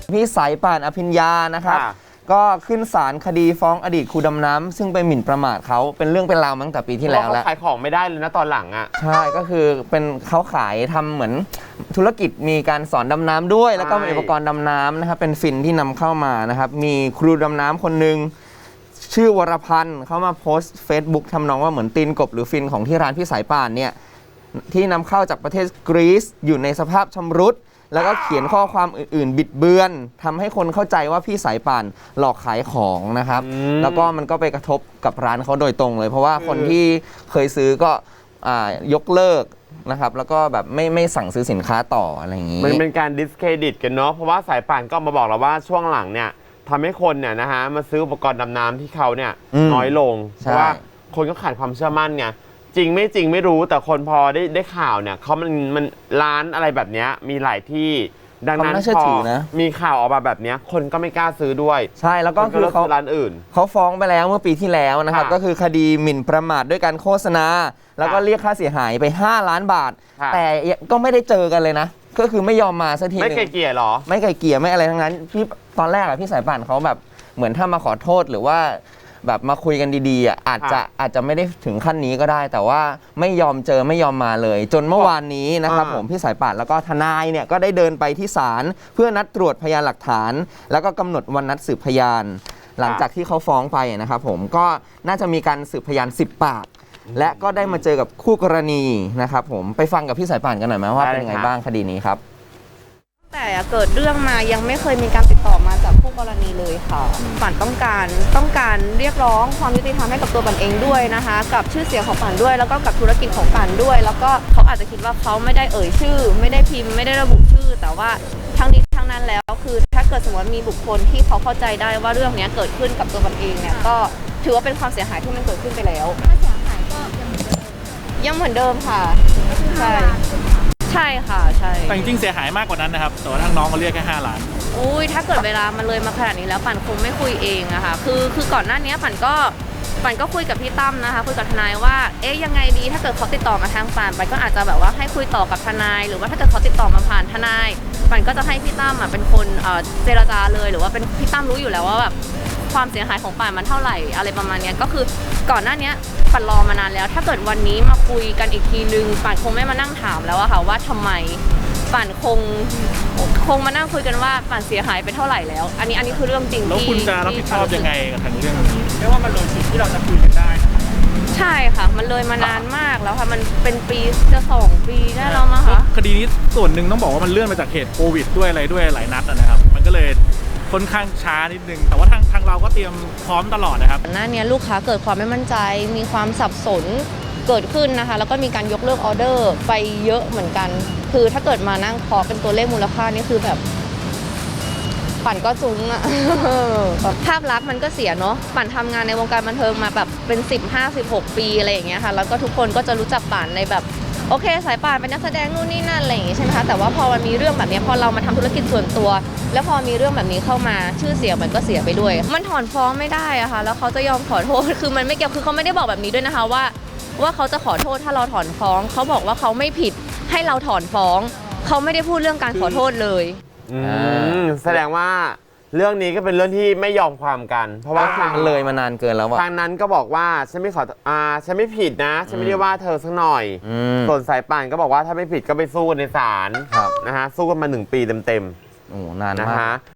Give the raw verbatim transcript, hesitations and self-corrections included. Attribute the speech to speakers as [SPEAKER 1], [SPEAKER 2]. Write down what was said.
[SPEAKER 1] พี่สายป่านอภิญญานะครับก็ขึ้นศาลคดีฟ้องอดีตครูดำน้ำซึ่งไปหมิ่นประมาทเขาเป็นเรื่องเป็นราวมาตั้งแต่ปีที่แล้วแล้ว
[SPEAKER 2] ขายของไม่ได้เลยนะตอนหลังอ่ะ
[SPEAKER 1] ใช่ก็คือเป็นเขาขายทำเหมือนธุรกิจมีการสอนดำน้ำด้วยแล้วก็มีอุปกรณ์ดำน้ำนะครับเป็นฟินที่นำเข้ามานะครับมีครูดำน้ำคนหนึ่งชื่อวรพันธ์เขามาโพสต์ Facebook ทำนองว่าเหมือนตีนกบหรือฟินของที่ร้านพี่สายป่านเนี่ยที่นำเข้าจากประเทศกรีซอยู่ในสภาพชำรุดแล้วก็เขียนข้อความอื่นๆบิดเบือนทำให้คนเข้าใจว่าพี่สายป่านหลอกขายของนะครับแล้วก็มันก็ไปกระทบกับร้านเขาโดยตรงเลยเพราะว่าคนที่เคยซื้อก็ยกเลิกนะครับแล้วก็แบบไม่ไม่สั่งซื้อสินค้าต่ออะไรอย่างนี้
[SPEAKER 2] มันเป็นการดิสเครดิตกันเนาะเพราะว่าสายป่านก็มาบอกเราว่าช่วงหลังเนี่ยทำให้คนเนี่ยนะฮะมาซื้ออุปกรณ์ดำน้ำที่เขาเนี่ยน้อยลงเพราะว่าคนก็ขาดความเชื่อมั่นไงจริงไม่จริงไม่รู้แต่คนพอได้ได้ข่าวเนี่ยเขามันมันร้านอะไรแบบนี้มีหลายที่ดังนั้นพอมีข่าวออกมาแบบนี้คนก็ไม่กล้าซื้อด้วย
[SPEAKER 1] ใช่แล้วก็คือเขา
[SPEAKER 2] ร้านอื่น
[SPEAKER 1] เขาฟ้องไปแล้วเมื่อปีที่แล้วนะครับก็คือคดีหมิ่นประมาทด้วยการโฆษณาแล้วก็เรียกค่าเสียหายไปห้าล้านบาทแต่ก็ไม่ได้เจอกันเลยนะก็คือไม่ยอมมาสักที
[SPEAKER 2] ไม่ไกลเกลี่ยหรอ
[SPEAKER 1] ไม่ไกลเกลี่ยไม่อะไรทั้งนั้นพี่ตอนแรกอะพี่สายป่านเขาแบบเหมือนถ้ามาขอโทษหรือว่าแบบมาคุยกันดีๆอ่ะอาจจะอาจจะไม่ได้ถึงขั้นนี้ก็ได้แต่ว่าไม่ยอมเจอไม่ยอมมาเลย จนเมื่อวานนี้นะครับผมพี่สายป่านแล้วก็ทนายเนี่ยก็ได้เดินไปที่ศาลเพื่อนัดตรวจพยานหลักฐานแล้วก็กำหนดวันนัดสืบพยานหลังจากที่เขาฟ้องไปนะครับผมก็น่าจะมีการสืบพยานสิบปากและก็ได้มาเจอกับคู่กรณีนะครับผมไปฟังกับพี่สายป่านกันหน่อยไหมว่าเป็นยังไงบ้างคดีนี้ครับ
[SPEAKER 3] แต่เกิดเรื่องมายังไม่เคยมีการติดต่อมาจากผู้กรณีเลยค่ะป่านต้องการต้องการเรียกร้องความยุติธรรมให้กับตัวป่านเองด้วยนะคะกับชื่อเสียงของป่านด้วยแล้วก็กับธุรกิจของป่านด้วยแล้วก็เขาอาจจะคิดว่าเขาไม่ได้เอ่ยชื่อไม่ได้พิมพ์ไม่ได้ระบุชื่อแต่ว่าทั้งนี้ทั้งนั้นแล้วคือถ้าเกิดสมมติมีบุคคลที่เขาเข้าใจได้ว่าเรื่องนี้เกิดขึ้นกับตัวป่านเองเนี่ยก็ถือว่าเป็นความเสียหายที่มันเกิดขึ้นไปแล้ว
[SPEAKER 4] ค่าเสียหายก็
[SPEAKER 3] ยังเหมือนเดิมค่ะใช่ใช่ค่ะใช่
[SPEAKER 5] แต่จริงๆเสียหายมากกว่านั้นนะครับแต่ว่าทางน้องเขาเรียกแค่ห้าล้าน
[SPEAKER 3] อุ้ยถ้าเกิดเวลามันเลยมาขนาดนี้แล้วปั่นคงไม่คุยเองอะค่ะคือคือก่อนหน้านี้ปั่นก็ปั่นก็คุยกับพี่ตั้มนะคะคุยกับทนายว่าเอ๊ยยังไงดีถ้าเกิดเขาติดต่อมาทางปั่นปั่นก็อาจจะแบบว่าให้คุยต่อกับทนายหรือว่าถ้าเกิดเขาติดต่อมาผ่านทนายปั่นก็จะให้พี่ตั้มเป็นคนเจรจาเลยหรือว่าเป็นพี่ตั้มรู้อยู่แล้วว่าแบบความเสียหายของป่านมันเท่าไหร่อะไรประมาณนี้ก็คือก่อนหน้านี้ป่านรอมานานแล้วถ้าเกิดวันนี้มาคุยกันอีกทีนึงป่านคงไม่มานั่งถามแล้วอะค่ะว่าทำไมป่านคงคงมานั่งคุยกันว่าป่านเสียหายไปเท่าไหร่แล้วอันนี้อันนี้คือเรื่องจริงที่
[SPEAKER 5] แล้วคุณจะรับผิดชอบยังไงกับทางเรื่องนี้เรียกว่ามันเลยสิ่งที่เราจะคุยกันได้
[SPEAKER 3] ใช่ค่ะมันเลยมานานมากแล้วค่ะมันเป็นปีจะสองปีได้แล้วมั้งคะ
[SPEAKER 5] คดีนี้ส่วนหนึ่งต้องบอกว่ามันเลื่อนมาจากเหตุโควิดด้วยอะไรด้วยหลายนัดนะครับมันก็เลยค่อนข้างช้านิดนึงแต่ว่าทางทางเราก็เตรียมพร้อมตลอดนะครับ
[SPEAKER 3] หน้านี้ลูกค้าเกิดความไม่มั่นใจมีความสับสนเกิดขึ้นนะคะแล้วก็มีการยกเลิกออเดอร์ไปเยอะเหมือนกันคือถ้าเกิดมานั่งเคาะเป็นตัวเลขมูลค่านี่คือแบบปั่นก็จุ้งอะภาพลักษณ์มันก็เสียเนาะปั่นทำงานในวงการบันเทิงมาแบบเป็นสิบห้าสิบหกปีอะไรอย่างเงี้ยค่ะแล้วก็ทุกคนก็จะรู้จักปั่นในแบบโอเคสายป่านเป็นนักแสดงนู่นนี่นั่นอะไรอย่างงี้ใช่ไหมคะแต่ว่าพอมันมีเรื่องแบบนี้พอเรามาทำธุรกิจส่วนตัวแล้วพอมีเรื่องแบบนี้เข้ามาชื่อเสียงมันก็เสียไปด้วยมันถอนฟ้องไม่ได้อะค่ะแล้วเขาจะยอมขอโทษคือมันไม่เกี่ยวคือเขาไม่ได้บอกแบบนี้ด้วยนะคะว่าว่าเขาจะขอโทษถ้าเราถอนฟ้องเขาบอกว่าเขาไม่ผิดให้เราถอนฟ้องเขาไม่ได้พูดเรื่องการขอโทษเลย
[SPEAKER 2] อืมแสดงว่าเรื่องนี้ก็เป็นเรื่องที่ไม่ยอมความกันเพราะว่าทาง
[SPEAKER 1] เลยมานานเกินแล้ว
[SPEAKER 2] ทางนั้นก็บอกว่าฉันไม่ขออ่าฉันไม่ผิดนะฉันไม่ได้ว่าเธอสักหน่อยส่วนสายป่านก็บอกว่าถ้าไม่ผิดก็ไปสู้กันในศาลนะฮะสู้กันมาหนึ่งปีเต็ม
[SPEAKER 1] ๆโอ้นานมาก